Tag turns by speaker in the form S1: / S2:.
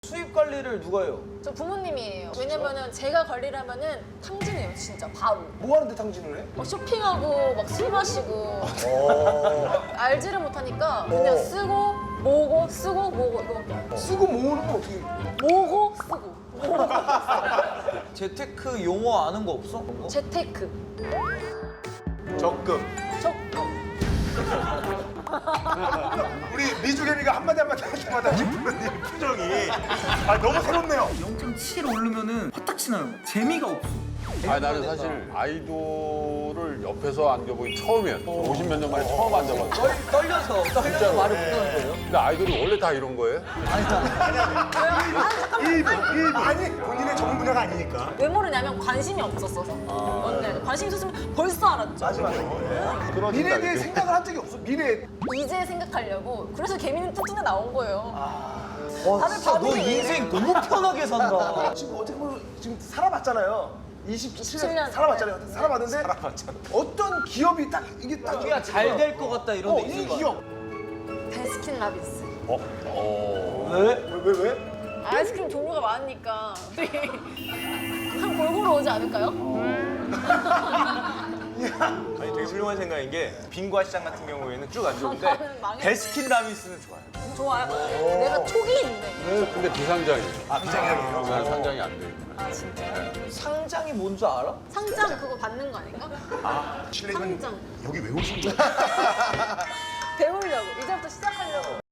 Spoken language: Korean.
S1: 수입 관리를 누가 해요?
S2: 저 부모님이에요. 왜냐면은 제가 관리를 하면은 탕진해요, 진짜 바로.
S3: 뭐 하는데 탕진을 해?
S2: 쇼핑하고 막 술 마시고 알지를 못하니까 그냥 쓰고 모으고 쓰고 모으고 이거밖에 안 돼.
S3: 쓰고 모으는 건 어떻게?
S2: 모으고 쓰고 모으고
S1: 재테크 용어 아는 거 없어?
S2: 재테크
S3: 적금.
S2: 적금
S3: 우리 미주겸이가 한마디 할 때마다 김프로님 표정이 너무 새롭네요.
S1: 0.7 오르면은 화딱지 나요. 재미가 없어.
S4: 나는 사실 아이돌을 옆에서 안겨보기 처음이야. 50몇 년 만에 처음 앉아봤어.
S1: 떨려서 말을 못하는 거예요?
S4: 근데 아이돌이 원래 다 이런 거예요?
S3: 아니 본인의 전문 분야가 아니니까.
S2: 왜 모르냐면 관심이 없었어서 언니 관심 있었으면 벌써 알았죠.
S4: 그런
S3: 미래에 대해
S4: 생각이죠.
S3: 생각을 한 적이 없어. 미래.
S2: 이제 생각하려고 그래서 개미는 뚱뚱해 나온 거예요.
S1: 와,
S2: 다들
S1: 진짜 너
S2: 바보지.
S1: 인생 너무 편하게 산다.
S3: 지금 어떻게 보면 지금 살아봤잖아요. 27년
S2: 27년.
S3: 살아봤잖아요. 살아봤는데 어떤 기업이 딱 이게 딱
S1: 우리가 잘 될 것 같다 이런 데
S3: 이
S1: 있을 거
S3: 기업.
S2: 베스킨 라빈스.
S1: 왜?
S3: 왜?
S2: 아이스크림 종류가 많으니까 우리 한 골고루 오지 않을까요?
S5: 아니 되게 훌륭한 생각인 게 빙과 시장 같은 경우에는 쭉 안 좋은데
S2: 나는 망했어.
S5: 베스킨 라빈스는 좋아요.
S2: 좋아요. 내가 촉이 있네.
S4: 근데 비상장이에요.
S3: 비장이에요.
S4: 난 상장이 안 돼.
S2: 아 진짜.
S1: 상장이 뭔 줄 알아?
S2: 상장 그거 받는 거 아닌가?
S3: 실례지만
S2: 상장.
S3: 여기 왜 오신 거예요?
S2: 배우려고 이제부터 시작하려고.